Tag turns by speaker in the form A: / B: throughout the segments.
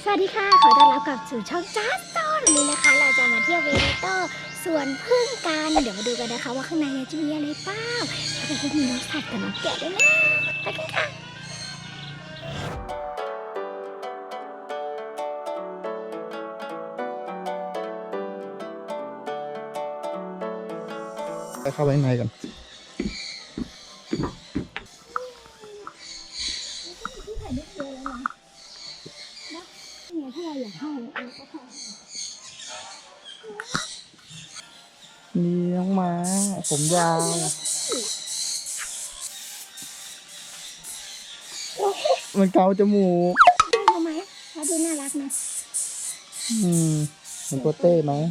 A: สวัสดีค่ะขอต้อนรับกลับสู่ช่องจัสตอนนี้นะคะเราจะมาเที่ยวเวเนโตสวนพึ่งกันเดี๋ยวมาดูกันนะคะว่าข้างในจะมีอะไรบ้างแล้วก็มีน้องสัตว์กับน้องแกะด้วยนะไปกันค่ะ
B: ไปเข้าไปข้างในก่อนนี่น้องม้าผมยาวมันเกาจมูก
A: ทำไมเขาดูน่ารักนะ
B: เหมือนโปเต้ไหม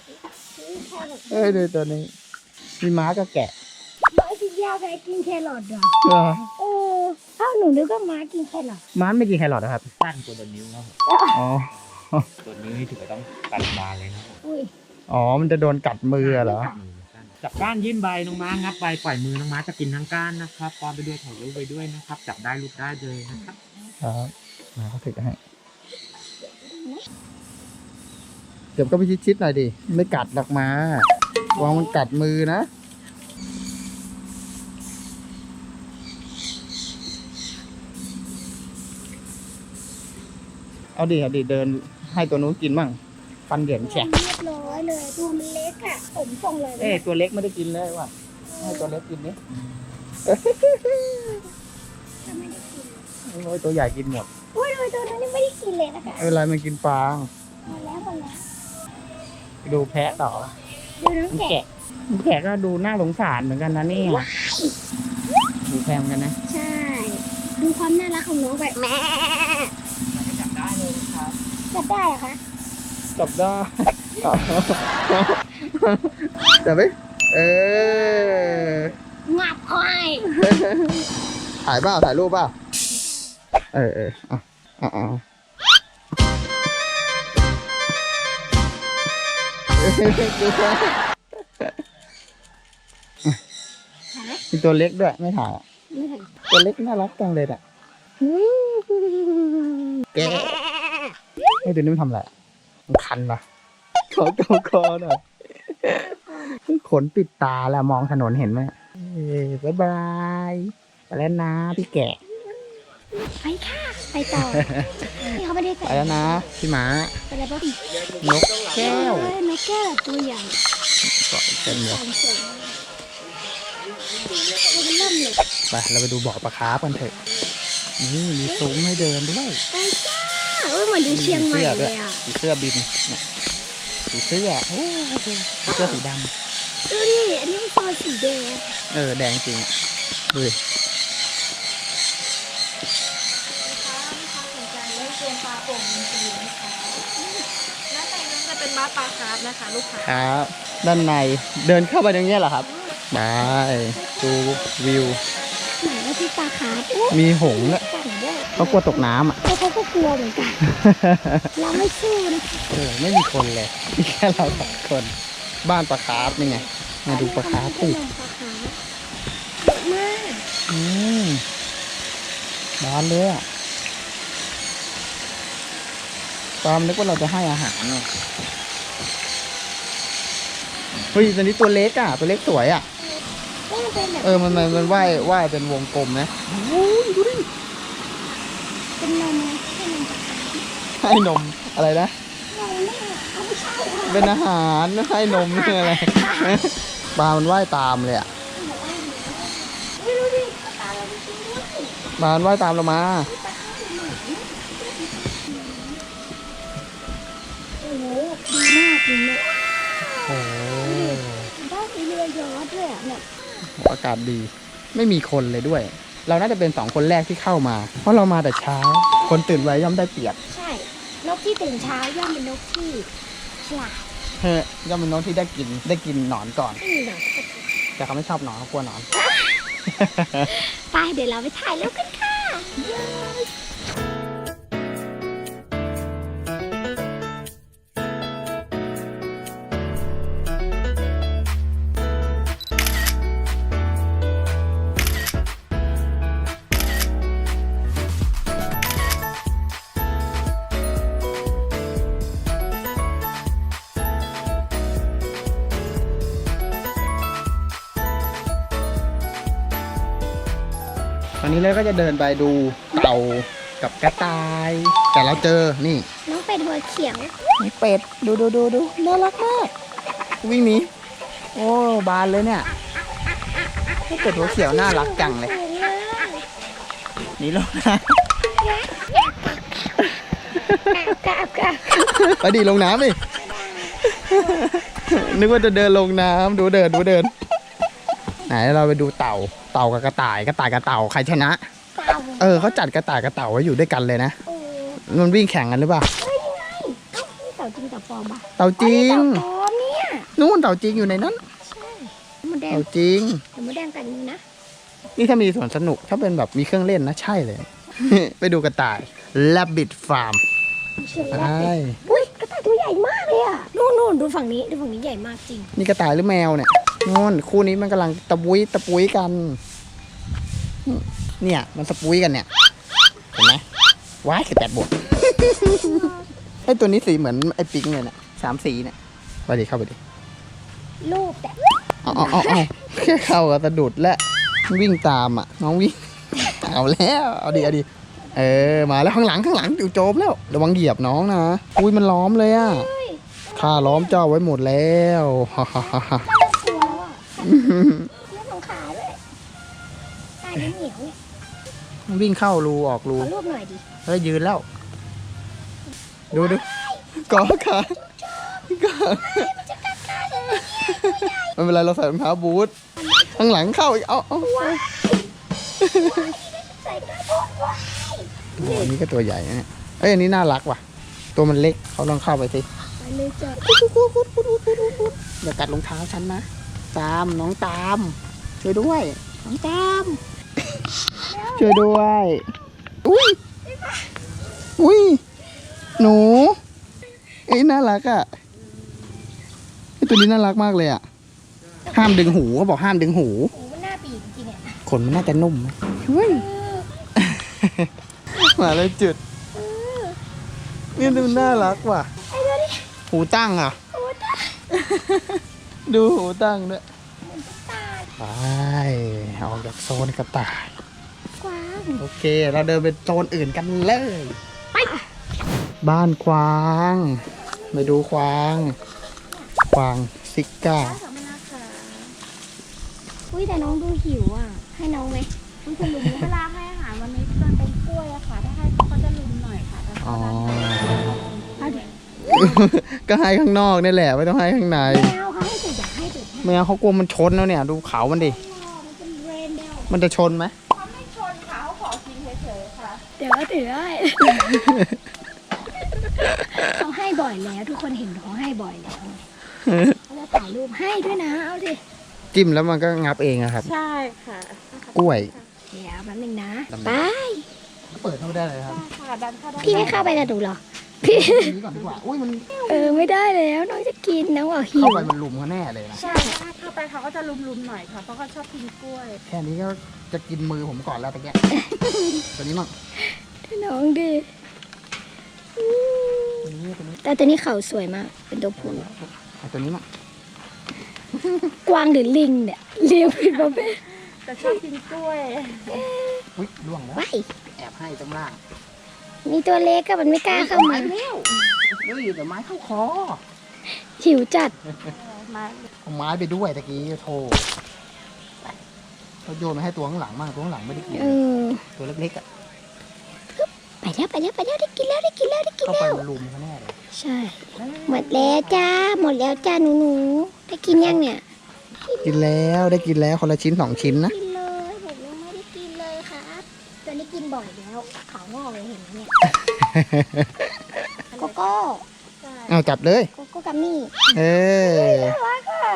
B: ดูตัวนี้มีม้ากับแกะ
A: ม้ากินหญ้าแพ้กินแครอทเหรอถ้าหนูนึกว่าม้ากินแครอท
B: ม้าไม่กินแครอทนะครับ
C: สั้นกว่าตัวนิ้วครับ
B: อ๋อ
C: ตัวนิ้วนี่ถือว่าต้องตัดบานเลยนะครับ
B: อ๋อมันจะโดนกัดมือเหรอ
C: จับก้านยื่นใบน้องม้างับใบปล่อยมือน้องม้าจะกินทั้งก้านนะครับปอนไปด้วยถ่ายรูปไปด้วยนะครับจับได้รูปได้เลยนะครับ
B: ครับมาเขาถือให้เดี๋ยวก็ไปชิดๆหน่อยดิไม่กัดหรอกม้าวางมันกัดมือนะเอาดิเดินให้ตัวนู้นกินบ้างฟันเหยินแฉะ
A: เรียบร้อยเลยตัวมันเล็กอ่ะผมส่งเลย
B: ตัวเล็กไม่ได้กินเลยว่ะให้ตัวเล็กกินนี่โอ้ยตัวใหญ่กินหมด
A: โอ้ยตัวนั้นยังไม่ได้กินเลยนะคะ
B: เวลามันกินฟาง
A: หมดแล้ว
B: ไปดูแพะต่อ
A: ดูน้องแกะ
B: แกะก็ดูน่าสงสารเหมือนกันนะนี่ดูแพงกันนะ
A: ใช่ดูความน่ารักของน้องแบบแม่
C: จับได้เลยครับ
A: จับได้เหรอคะ
B: จับได้จับไหม
A: งับคอย
B: ถ่ายรูปเปล่ามีตัวเล็กด้วยไม่ถ่ายตัวเล็กน่ารักจังเลยอ่ะแกไอ้ตัวนี้มันทำอะไรมันคันปะขอคอหน่อยขนปิดตาแล้วมองถนนเห็นไหมบ๊ายบายไปแล้วนะพี่แกะ
A: ไปค่ะไปต่อนี่เขาไม่ได้
B: ไปแล้วนะพี่หมา
A: ไปแล้วป่ะ
B: นกแก้วน
A: กแก้วตัวใหญ่
B: เกาะเต็มเลยไปเราไปดูบ่อปลาคาร์ฟกันเถอะนี่มีซุ้มให้เดินด้วย
A: ไปจ้าเหมือนดูเชียงใหม่เลยอ่ะ
B: สีเสื้อบินสีเสื้อสีด
A: ำดูดิอันนี้มันตัวสีแดง
B: แดงจริงดูดิ
A: เป็นม้าปลาคาร์ฟนะคะลูกค้า
B: ครับด้านในเดินเข้าไปตรงนี้เหรอครับได้ดูวิว
A: ไหนว่าที่ปลาคาร์ฟ
B: มีหงส์เนี่ยเขากลัวตกน้ำอ่ะ
A: เขาก็กลัวเหมือนกันเราไม่สู้นะ
B: ไม่มีคนเลยมีแค่เราสองคนบ้านปลาคาร์ฟนี่ไงมาดูปลาคาร์ฟสิ
A: เยอะมาก
B: บ้านเลยอ่ะตามนึกว่าเราจะให้อาหารเนี่ยเฮ้ยตัวนี้ตัวเล็กอ่ะตัวเล็กสวยอ่ะมันว่ายเป็นวงกลมนะดูดิ
A: เป็นนมไหม
B: ให้นมอะไรนะเป็นอาหารให้นมนี่อะไรปลามันว่ายตามเลยอ่ะปลามันว่ายตามเรามา
A: ดีมากจริงเลยบ้านมีเรือยอชต์ด้วยเนี่ย
B: อากาศดีไม่มีคนเลยด้วยเราน่าจะเป็น2คนแรกที่เข้ามาเพราะเรามาแต่เช้าคนตื่นไว้ย่อมได้เปรียบ
A: ใช่นกที่ตื่นเช้าย่อมเป็นนกที่ฉลาด
B: ย่อมเป็นนกที่ได้กินหนอนก่อนแต่เขาไม่ชอบหนอนเขากลัวหนอน
A: ไปเดี๋ยวเราไปถ่ายรูปกันค่ะ
B: วันนี้เราก็จะเดินไปดูเต่ากับกระต่าย แต่เราเจอนี่
A: น้องเป็ดหัวเขียว
B: มีเป็ดดูน่ารักมากวิ่งหนีโอ้บานเลยเนี่ยให้เป็ดหัวเขียวน่ารักจังเลยหนีลงน้
A: กราบ
B: ำไปดิลงน้ำดินึกว่าจะเดินลงน้ำดูเดินไหนเราไปดูเต่ากับกระต่ายกับเต่าใครชนะ
A: เต่า
B: เขาจัดกระต่ายกับเต่าไว้อยู่ด้วยกันเลยนะ
A: โอ้
B: มันวิ่งแข่งกันหรือเปล่า
A: เฮ้ยนี่ไงเอ้านี่เต่าจริงเต่าปลอมปะ
B: เต่าจริง
A: เต่าปลอมเนี่ย
B: นู่นเต่าจริงอยู่ในนั้น
A: ใช่มดแดง
B: เต่าจริง
A: แต่มดแดงกันนะ
B: นี่ถ้ามีสวนสนุกถ้าเป็นแบบมีเครื่องเล่นนะใช่เลย ไปดูกระต่าย Rabbit Farm
A: เชื่อ
B: ไป
A: ว่าอุ้ยกระต่ายตัวใหญ่มากเลยอ่ะนู่นดูฝั่งนี้ใหญ่มากจริง
B: นี่กระต่ายหรือแมวเนี่ยนู่นคู่นี้มันกำลังตะปุยกัน เนี่ยมันตะปุยกันเนี่ยเห็นไหมว้าย18 บวก ไอตัวนี้สีเหมือนไอปิงเลยเนี่ย3 สีเนี่ยไปดิเข้าไปดิ
A: ลูกแต่
B: เอาแค่เข้ากับสะดุดและวิ่งตามอ่ะน้องวิ่ง เอาแล้วเอาดิมาแล้วข้างหลังอยู่โจมแล้วระวังเหยียบน้องนะอุ้ยมันล้อมเลยอ่ะข้าล้อมเจ้าไว้หมดแล้ว
A: กลัวแล้วอ่ะเรื่องของขาด้วยตายเหนียวเนี่ย
B: วิ่งเข้ารูออกรู
A: ขอรูปหน่อยดิ
B: เฮ้ยยืนแล้ว ดูกอขาไม่เป็นไรเราใส่รองเท้าบูทข้างหลังเข้าอีกเอา
A: ใส่กระโปรงไว้
B: ตัวนี้ก็ตัวใหญ่นะเนี่ยเอ้ยอันนี้น่ารักว่ะ ตัวมันเล็กเขาลองเข้าไปสิ
A: ไปเลยจ้ะ
B: อย่ากัดรองเท้าฉันนะน้องตามช่วยด้วยน้องตามช่วยด้วยอุ้ยหนูน่ารักอ่ะไอตัวนี้น่ารักมากเลยอ่ะห้ามดึงหูเขาบอกห้ามดึงหู
A: โอ้มันหน้าปีกจริงๆเนี่ย
B: ขนมันน่าจะนุ่มไหมเฮ้ยมาเลยจุดนี่ดูน่ารักว่ะ
A: ไอ้ตัวนี้
B: หูตั้งอ่ะ
A: โอ้ตาย
B: ดูหูตั้งด้วย
A: ตาย
B: ไปออกจากโซนกระต่าย
A: กวาง
B: โอเค เราเดินไปโซนอื่นกันเลย บ้านกวางไปดูกวางซิก้า
A: ขอบคุณนะคะอุ้ยแต่น้องดูหิวอ่ะให้น้องไหมต้องคุณลุง
D: เวลาให้อาหารวันนี้จะเป็นกล้วยอะค่ะ ถ้าให้เขาจะลุมหน่อยค่ะแต่
B: อ๋อ
A: เอาเดี๋ยว
B: ก็ให้ข้างนอกนี่แหละไม่ต้องให้ข้างใน
A: แมวเขาให้จุดอยากให้จุดให้
B: ไม่เอาเขากลัวมันชนแล้วเนี่ย ดูเขามันดิ
A: มันเป็นเรนเดล
B: มันจะชนไหม
D: เขาไม่ชนค่ะเขาขอกินเฉยๆค่ะ
A: เดี๋ยวถือได้เขาให้บ่อยแล้ว ทุกคนเห็นเขาให้บ่อยแล้วเขาจะถ่ายรูปให้ด้วยนะเอาดิ
B: จิ้มแล้วมันก็งับเองอะครับ
D: ใช่ค่ะ
B: กล้วย
A: เดี๋ยวแป๊บนึงนะ
B: ทำไม
A: ไป
B: เปิดเข้าได้เลยครับ
D: ค่ะดันเข้าได้
A: พี่ไม่เข้าไปกับหนูเหรอพี่
B: นี้ก่อนดีกว่าอุ้ยมัน
A: ไม่ได้แล้วน้องจะกินน้องบอกหิ
B: เข้าว ไปมันลุมเขาแน่เลยนะ
D: ใช่ถ้าเข้าไปเขาก็จะลุมๆหน่อยค่ะ เพราะเขาชอบกินกล้วย
B: แค่นี้ก็จะกินมือผมก่อนแล้วตะแก ตัวนี้มั่ง
A: น้องดิ
B: ตัวนี้
A: แต่ตัวนี้เขาสวยมาก เป็นตัวผู้
B: เอาตัวนี้มั่ง
A: กวางหรือลิงเนี่ยเลี้ยงผิดประเภท
D: แต่ชอบกินกล้วย
B: อุ้ยล่วงแล้ว
A: ว้าย
B: แอบให้ตรงล่าง
A: มีตัวเล็กก็มันไม่กล้าเข้ามา
B: เร็วเฮ้ยเดี๋ยวไม้เข้าคอ
A: หิวจัด
D: มา
B: เอาไม้ไปด้วยตะกี้โทรเขาโยนมาให้ตัวข้างหลังมากตัวข้างหลังไม่ได้กิน
A: เออ
B: ตัวเล็กๆอ่ะ
A: ไปแล้วได้กินแล้ว
B: เข้าไปมันลุมเขาแน่เลย
A: ใช่ หมดแล้วจ้าหนูได้กินยังเนี่ย
B: กินแล้วได้กินแล้วคนละชิ้น2 ชิ้นนะ
A: กินเลยผมยังไม่ได้กินเลยครับตัวนี้กินบ่อยแล้วขาวงอกเลยเห็นไหมเนี่ยโกโก้
B: เอาจับเลย
A: โกโก้กัมมี่
B: เออ
A: น่ารักอ่ะ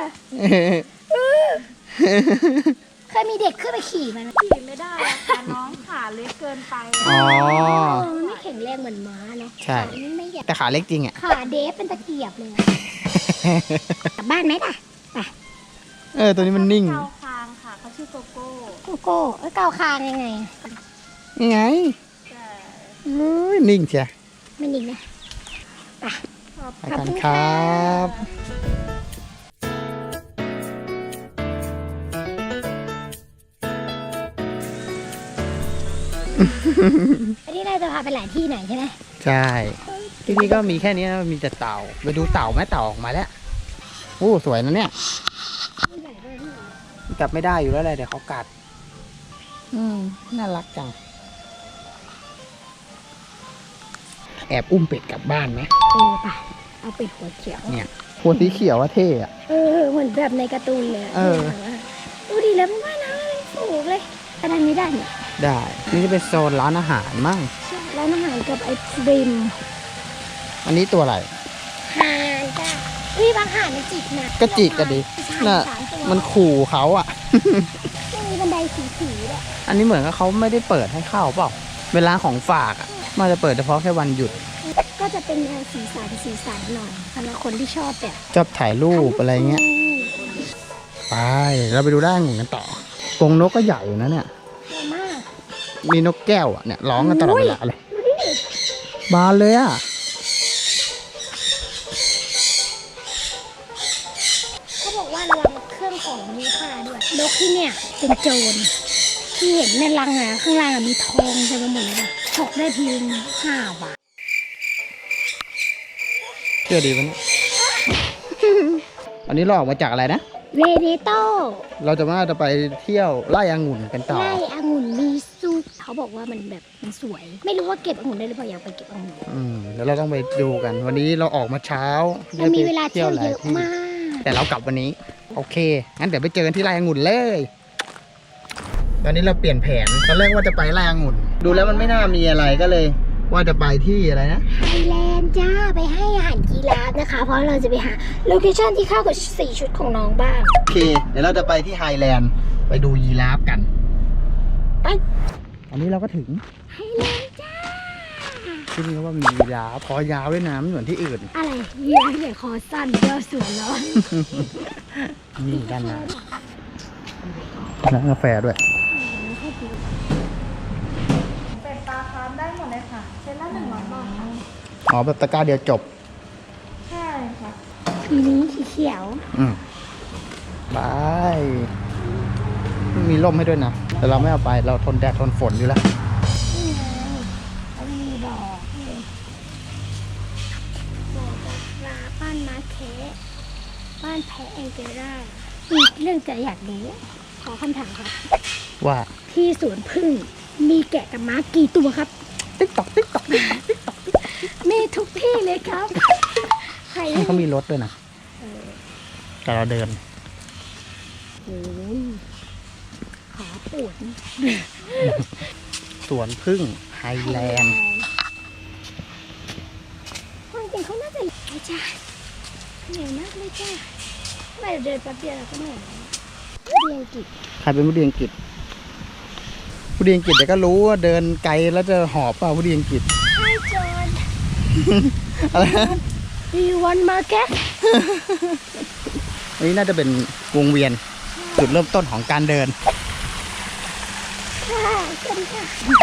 A: เคยมีเด็กขึ้นไปขี่มันไหม
D: ขี่ไม่ได้อะค่ะน้องขาเล็กเกินไป
B: อ๋อ
A: มันไม่แข็งแรงเหมือนม้าเนาะ
B: ใช่
A: ขามันไม่ใหญ่
B: แต่ขาเล็กจริงอ่ะ
A: ขาเดฟเป็นตะเกียบเลยกลับบ้านไหมล่ะ
B: ตัวนี้มันนิ่ง
D: เกาคางค่ะเขาชื่อโกโก้
A: โกโก้เกาคางยังไง
B: นี่ไง
D: ใช่
B: เอ้ยนิ่งเชีย
A: ไม่นิ่งนะ
B: ไปกันครับ
A: อันนี้เราจะพาไปหลายที่หน่อยใช่ไหม
B: ใช่ที่นี่ก็มีแค่นี้นะมีแต่เต่าไปดูเต่าไหมเต่าออกมาแล้วโอ้สวยนะเนี่ยจับไม่ได้อยู่แล้วเลยเดี๋ยวเขากัดน่ารักจังแอบอุ้มเป็ดกลับบ้านไหม
A: ป่ะเอาเป็ดหัวเขียว
B: เนี่ยหัวสีเขียวว่าเท่อะ
A: เหมือนแบบในการ์ตูนเลย ดูดีแล้วไม่ว่านะมันสูงเลยอันนั้นไม่ได้เนี่ย
B: ได้นี่จะเป็นโซนร้านอาหารมั่ง
A: ร้านอาหารกับไอศกรีม
B: อันนี้ตัวอะไร
A: ห่านจ้ะบางห่านมันจิกนะ
B: ก็จิกกันดิน่ะมันขู่เขาอ่ะ
A: มีบันไดสีๆด้วย
B: อันนี้เหมือนกับเขาไม่ได้เปิดให้เข้าเปล่าเวลาของฝากอ่ะมันจะเปิดเฉพาะแค่วันหยุด
A: ก็จะเป็นสีสันหน่อยสำหรับคนที่ชอบแบบ
B: ชอบถ่ายรูปอะไรเงี้ยไปเราไปดูด้านหนึ่งกันต่อกรงนกก็ใหญ่อยู่นะเนี่ย
A: เยอะมาก
B: มีนกแก้วอ่ะเนี่ยร้องกันตลอดเวลาเลยบานเลยอ่ะ
A: เขาบอกว่าระวังเครื่องของมีค่าด้วยนกที่เนี่ยเป็นโจรที่เห็นในรังอ่ะข้างล่างมีทองเต็มไปหมดเลยฉกได้ทีนึง5 บาท
B: เชื่อดีปะเนี่ย อันนี้เราออกมาจากอะไรนะ
A: เวเนโต
B: เราจะไปเที่ยวไร่องุ่นกันต่อ
A: ไร่องุ่นมีซุปเขาบอกว่ามันแบบมันสวย ไม่รู้ว่าเก็บองุ่นได้หรือเปล่าอยากไปเก็บองุ่น
B: เดี๋ยวเราต้องไปดูกัน วันนี้เราออกมาเช้า
A: มันมีเวลาเที่ยว
B: ห
A: เยอะ
B: ที่
A: มาก
B: แต่เรากลับวันนี้ โอเค งั้นเดี๋ยวไปเจอกันที่ไร่องุ่นเลย ตอนนี้เราเปลี่ยนแผน ตอนแรกว่าจะไปไร่องุ่น ดูแล้วมันไม่น่ามีอะไรก็เลย ว่าจะไปที่อะไรนะ
A: ไทยแลนด์จ้าไปให้อาหารกีราฟนะคะ เพราะเราจะไปหาโลเคชั่นที่เข้ากับ4 ชุดของน้องบ้าง
B: โอเค เดี๋ยวเราจะไปที่ไฮแลนด์ไปดูยีราฟกัน ไป อันนี้เราก็ถึง
A: ไทยแลนด์จ้า
B: ที่นี่ว่ามียีราฟคอยาวด้วยนะไม่เหมือนที่อื่น
A: อะไรยีราฟใหญ่คอสั้นเยอะสวนแล้ว
B: นี่ด้านหน้าร้านกาแฟด้วย
D: เป็ดปลาคาร์ฟได้หมดเลยค่ะเซตละ100 บาทค่ะ
B: อ๋อแบบตะกร้าเดียวจบ
D: ใช่ค่ะ
A: ทีนี้สีเขียว
B: บายมีร่มให้ด้วยนะ แต่เราไม่เอาไป เราทนแดดทนฝนอยู่แล้ว
A: นี่ไงเขามีบอกจากปลาบ้านมาแคะบ้านแพะแองเกล่ามีเรื่องจะอยากรู้ขอคำถามครับ
B: ว่า
A: ที่สวนพึ่งมีแกะกับม้ากี่ตัวครับ
B: ติ๊กตอกติ๊กตอก
A: มีทุกที่เลยครับ ใคร
B: นี่เขามีรถด้วยนะ แต่เราเดิน
A: โอ้ยขาปวด
B: สวนพึ่งไฮแลนด์
A: ความจริงเขาน่าจะไอ้จ้าเหนื่อยมากเลยจ้าไม่เดินแป๊บเดียวเราก็เหนื่อยแล้วเรียนอังกฤษ
B: ใครเป็นผู้เรียนอังกฤษผู้เรียนอังกฤษเดี๋ยวก็รู้ว่าเดินไกลแล้วจะหอบเปล่าผู้เรียนอังกฤษ
A: Hi John
B: อะไรนะ
A: Do you want market
B: อันนี้น่าจะเป็นวงเวียนจุดเริ่มต้นของการเดิน
A: ค่ะสวัสดีค่ะ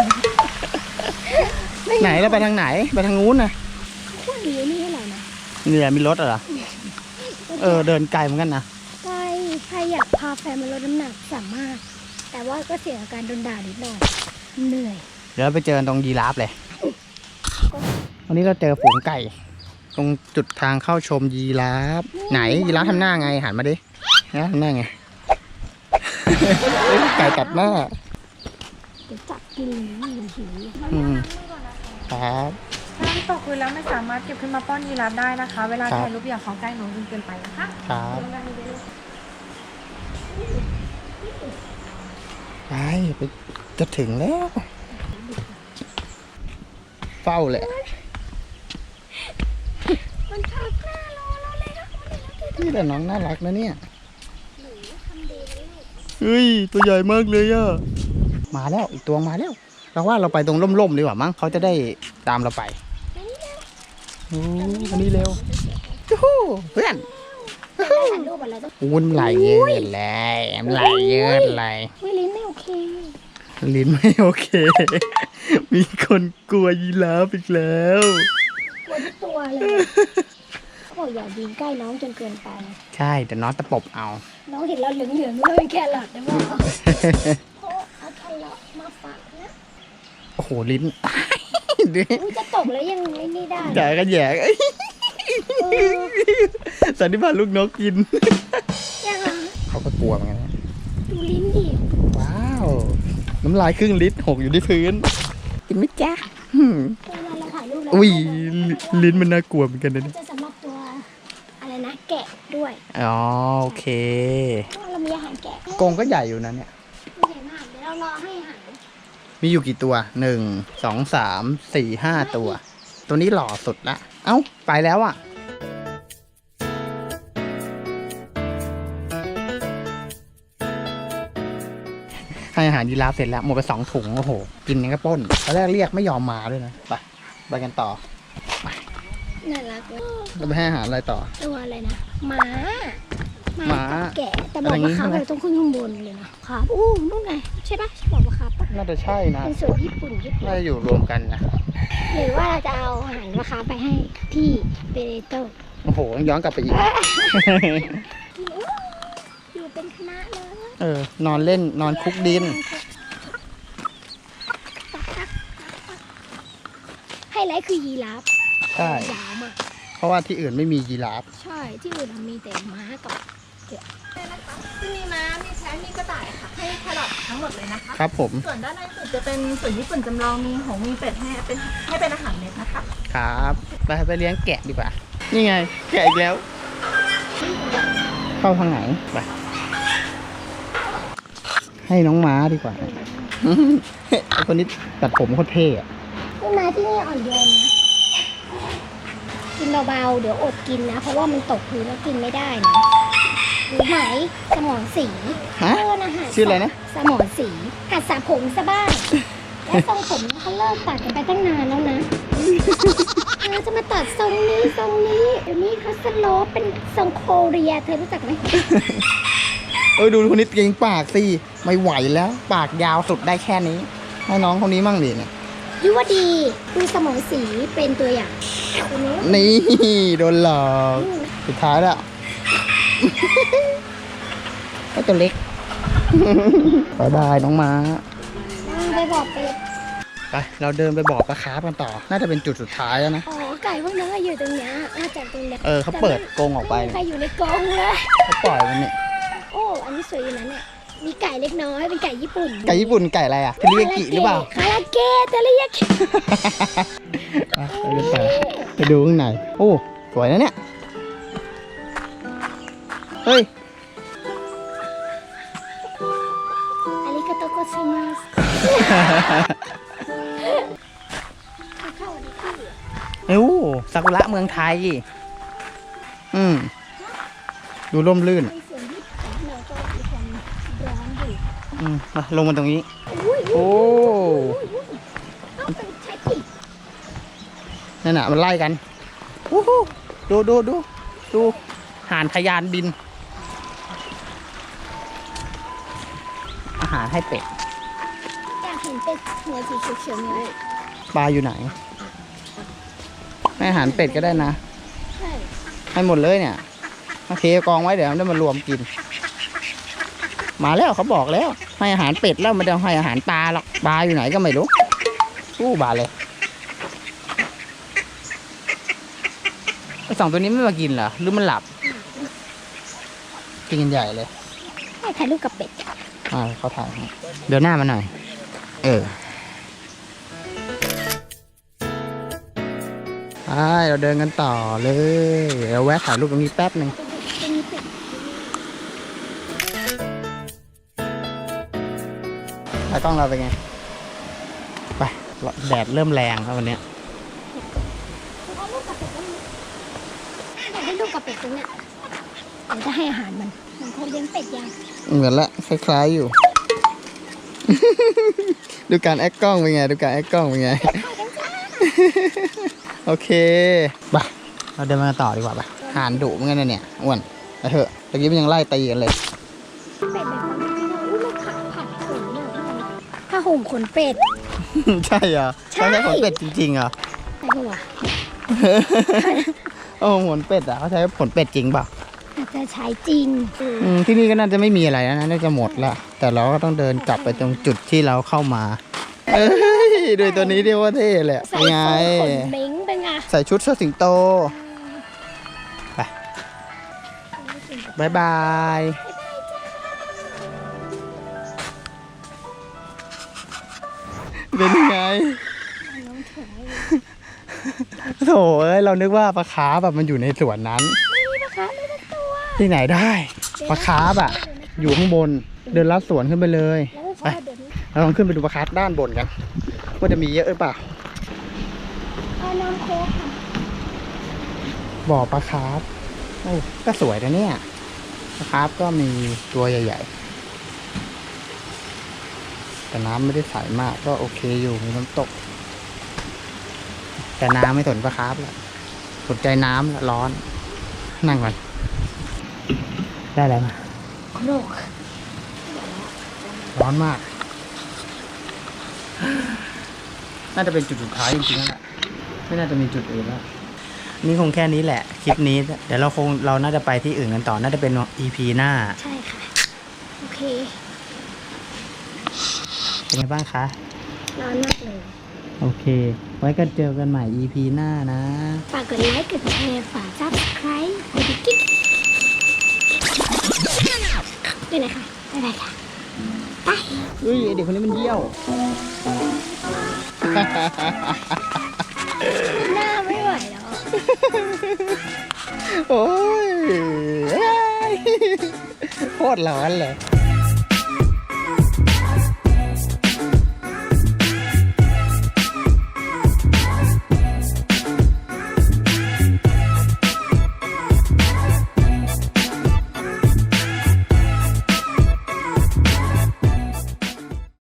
B: ไหนเราไปทางไหนไปทางนู้นนะ
A: พวกนี้นี่อะไรนะ
B: นี่แหละมีรถเหรอเดินไกลเหมือนกันนะ
A: ใครอยากพาแฟนมาลดน้ำหนักสามารถ แต่ว่าก็เสี่ยงกับการโดนด่านิดหน่อยเหนื่อย
B: เดี๋ยวเราไปเจอตรงยีราฟเลย วันนี้เราเจอฝูงไก่ ตรงจุดทางเข้าชมยีราฟไหนยีราฟทำหน้าไงหันมาดินะทำหน้าไง ไก่ตัดหน้า
A: เดี๋ยวจับกินหิว
B: อืมครับ
D: ถ้าน้ำตกพื้นแล้วไม่สามารถเก็บขึ้นมาป้อนยีราฟได้นะคะ เวลา
B: ครับ
D: ถ่ายรูปอย่าเข้าใกล้น้องจนเกินไปนะคะ
B: ครับไปจะถึงแล้ว เฝ้าแหละ
A: มันทักหน้ารอเราเลยนะ
B: นี่แต่น้องน่ารักนะเนี่ยเฮ้ยตัวใหญ่มากเลยอ่ะมาแล้วอีกตัวมาแล้วเราว่าเราไปตรงร่มๆดีกว่ามั้งเขาจะได้ตามเราไปโอ้วันนี้เร็วจู้ฮู้เพื่อน
A: แต่ถ่ายรูปอะไรต้อง
B: อุ้นไหลเยอะเลยไหลเยอะเลย
A: วิลิ้นไม่โอเค
B: ลิ้นไม่โอเค มีคนกลัวยีราฟอีกแล้ว
A: กลัวทุกตัวเลยเขาบอกอย่ายืนใกล้น้องจนเกินไป
B: ใช่แต่น้องตะปบเอา
A: น้องเห็นเราเหลืองๆเลยแครอทได้ไหมเพราะเอาแครอทมาฝากนะ
B: โอ้โหลิ้น ดู
A: อุ๊ยจะตกแล้วยังไม่ได้
B: จ่ายกันแยก สันนิบาตลูกนกกิน
A: ยังอ่ะ
B: เขาก็กลัวเหมือนกันนะ
A: ดูลิ้นดิ
B: ว้าว น้ำลายครึ่งลิตรหกอยู่ที่พื้น กินไหมจ๊ะ
A: เวลาเราถ่ายรูปแล้ว
B: อุ้ยลิ้นมันน่ากลัวเหมือนกันนะ
A: มันจะสำหรับตัวอะไรนะแกะด้วย
B: อ๋อโอเค
A: เพราะว่าเรามีอาหารแกะ
B: กรงก็ใหญ่อยู่นะเนี่ย
A: ใหญ่มากเดี๋ยวเรารอให้อาหาร
B: มีอยู่กี่ตัว 1 2 3 4 5 ตัว ตัวนี้หล่อสุดละ เอ้า ไปแล้วอ่ะ ให้อาหารยีราฟเสร็จแล้ว หมดไป2 ถุง โอ้โห กินยังก็ป้นตอนแรกเรียกไม่ยอมมาด้วยนะ ไปกันต่อ
A: น่ารักเลย
B: เราไปให้อาหารอะไรต่อ
A: ตัวอะไรนะหมา
B: หมา
A: กับแกะแต่บอกว่าครับ
B: อะไรอย่างงี้ใช่ไหม
A: เราต้องขึ้นข้างบนเลยนะครับอู้นู่นไงใช่ปะใช่บอกว่าครับปะ
B: น่าจะใช่นะ
A: เป็นส่วนญี่ปุ่น
B: น่าจะอยู่รวมกันนะ
A: หรือว่าเราจะเอาอาหารราคาไปให้ที่เบเรโต
B: โอ้โห ย้อนกลับไปอีก
A: อยู่เป็นคณะเลย
B: นอนเล่น นอนคุกดิน
A: ไฮไลท์คือยีราฟ
B: ใช่
A: ยาวมาก
B: เพราะว่าที่อื่นไม่มียีราฟ
A: ใช่ที่อื่นมีแต่ม้ากับ
D: ที่มีม้า มีแพะมีกระต่ายค่ะ ให้แครอททั้งหมดเลยนะคะ
B: ครับผม
D: ส่วนด้านในสุดจะเป็นส่วนญี่ปุ่นจำลอง มีหงส์มีเป็ดให้เป็นอาหารเม็ดนะคะ
B: ครับไปเลี้ยงแกะดีกว่า นี่ไง แกะอีกแล้ว เข้าทางไหน ไป ให้น้องม้าดีกว่า ไอ้คนนี้ตัดผมโคตรเท่อะ
A: ต้นไม้ที่นี่อ่อนโยนนะกินเบาๆเดี๋ยวอดกินนะ เพราะว่ามันตกพื้นแล้วกินไม่ได้นะรู้ไหมสมอนสี
B: ฮะ
A: นะหา
B: ชื่ออะไรนะ
A: สมอนสีหัดสระผมซะบ้าง แล้วทรงผมเขาเลิกตัดกันไปตั้งนานแล้วนะเราจะมาตัดทรงนี้เดี๋ยวนี้เขาสโลปเป็นทรงโคเรียเธอรู้จักไหม
B: ดูคนนี้เก่งปากสิ ไม่ไหวแล้ว ปากยาวสุดได้แค่นี้ ให้น้องคนนี้มั่งดิเนี่ย
A: ยุวดีดูสมองสีเป็นตัวอย่างคนนี้
B: นี่ โดนหลอก สุดท้ายแล้ว ก็ตัวเล็ก บายบายน้องม้า
A: ไปบอกเป็ด
B: ไป เราเดินไปบอกปลาคาร์ฟกันต่อ น่าจะเป็นจุดสุดท้ายแล้วนะ
A: อ๋อไก่พวกนั้นก็อยู่ตรงเนี้ยน่าจะตรงเนี้ย
B: เขาเปิดกรงออกไป
A: ใครอยู่ในกรงเลย
B: เขาปล่อยมันเนี่ย
A: โอ้อันนี้สวยอยู่นะเนี่ยมีไก่เล็กน้อยเป็นไก่ญี่ปุ่น
B: ไก่ญี่ปุ่นไก่อะไรอ่ะเทริยากิหรือเปล่า
A: คาราเกะเทริยากิ
B: ไปดูข้างใน โอ้ สวยนะเนี่ย เฮ้ย
A: อาริกาโตโกซิมัสเข้าอันนี้คือ
B: เอ้าซากุระเมืองไทย ดูร่มรื่น
A: ในส่วนที่เราก็มีความร้อนอยู่
B: มาลงมาตรงนี้
A: อุ้ย
B: โอ้
A: ต้องเป็นใช้ปีก
B: นั่นน่ะมันไล่กันวู้ฮู้ดูห่านทะยานบิน อาหารให้เป็ด
A: อยากเห็นเป็ดหัวสีเขียวๆเนี่ย
B: ปลาอยู่ไหน ให้อาหารเป็ดก็ได้นะ
A: ใช่
B: ให้หมดเลยเนี่ยโอเคกองไว้เดี๋ยวได้มารวมกิน มาแล้วเขาบอกแล้ว ให้อาหารเป็ดแล้วไม่ได้ให้อาหารปลาหรอกปลาอยู่ไหนก็ไม่รู้บาเลยไอ้สองตัวนี้ไม่มากินเหรอหรือมันหลับ กินกันใหญ่เลย
A: ให้ถ่ายรูปกับเป็ด
B: เขาถ่ายให้เดี๋ยวหน้ามาหน่อย เราเดินกันต่อเลยเราแวะถ่ายรูปตรงนี้แป๊บหนึ่ง
A: จะมีเป็ด
B: ตากล้องเราเป็นไง ไปแดดเริ่มแรงครับวันเนี้ย
A: เอารูปกับเป็ดแล้วอยากได้รูปกับเป็ดตรงเนี้ยเดี๋ยวจะให้อาหารมันเขาเลี้ยงเป็ดยัง
B: เหมือนละคล้ายๆอยู่ ดูการแอคกล้องเป็นไง ดูการแอคกล้องเป็นไง โอเคไปเราเดินมาต่อดีกว่าไปหานดุเหมือนกันนะเนี่ยอ้วนไปเถอะตะกี้มันยังไล่ตีกันเลย
A: เป็ดแบบนี้อุ้ยมันผัดขนเนี่ยผ้าห่มขนเป็ด
B: ใช่เหรอ
A: ใช่
B: ใช่ขนเป็ดจริงๆเหรอ
A: ใช่ปะวะ
B: โอ้ขนเป็ดอ่ะเขาใช้ขนเป็ดจริงเปล่า
A: อาจจะใช้จริง
B: ที่นี่ก็น่าจะไม่มีอะไรแล้วนะน่าจะหมดละแต่เราก็ต้องเดินกลับไปตรงจุดที่เราเข้ามา เอ้ยด้วยตัวนี้เรียกว่าเท่เลย
A: ใส่
B: เป็นไง
A: ขนเม้งเป็นไง
B: ใส่ชุดเสื้อสิงโต ไปบายบายเป็นยังไงโถเอ้ยเรานึกว่าปลาคาร์ฟแบบมันอยู่ในสวนนั้น
A: ไม่มีปลาคาร์ฟเลยสักตัว
B: ที่ไหนได้ปลาคาร์ฟอ่ะ อยู่ข้างบนเดินลัดสวนขึ้นไปเลย
A: แล้วก็เดี๋ยวนี้
B: เราลองขึ้นไปดูปลาคาร์ฟด้านบนกันว่าจะมีเยอะหรือเปล่า
A: เอาน้ำโค้กค่ะ
B: บ่อปลาคาร์ฟโอ้ก็สวยนะเนี่ยปลาคาร์ฟก็มีตัวใหญ่ๆแต่น้ำไม่ได้ใสมากก็โอเคอยู่มีน้ำตก แต่น้ำไม่สนปลาคาร์ฟแล้วสนใจน้ำละร้อน นั่งก่อนได้แล้วมา
A: โครก
B: ร้อนมาก น่าจะเป็นจุดสุดท้ายจริงๆแล้วไม่น่าจะมีจุดอื่นแล้ว นี่คงแค่นี้แหละ คลิปนี้ เดี๋ยวเราน่าจะไปที่อื่นกันต่อ น่าจะเป็น EP หน้า
A: ใช่ค่ะ โอเค
B: เป็นไงบ้างคะ
A: ร้อนมากเลย
B: โอเค ไว้กันเจอกันใหม่ EP หน้านะ
A: ฝากกดไลค์ กดแชร์ ฝาก subscribe กดกิ๊กด้วยนะคะ บ๊ายบายค่ะ ไป
B: เฮ้ยไอ้เด็กคนนี้มันเยี่ยว
A: หน้าไม่ไหวแล้ว
B: โอ้ยโคตรร้อนเลย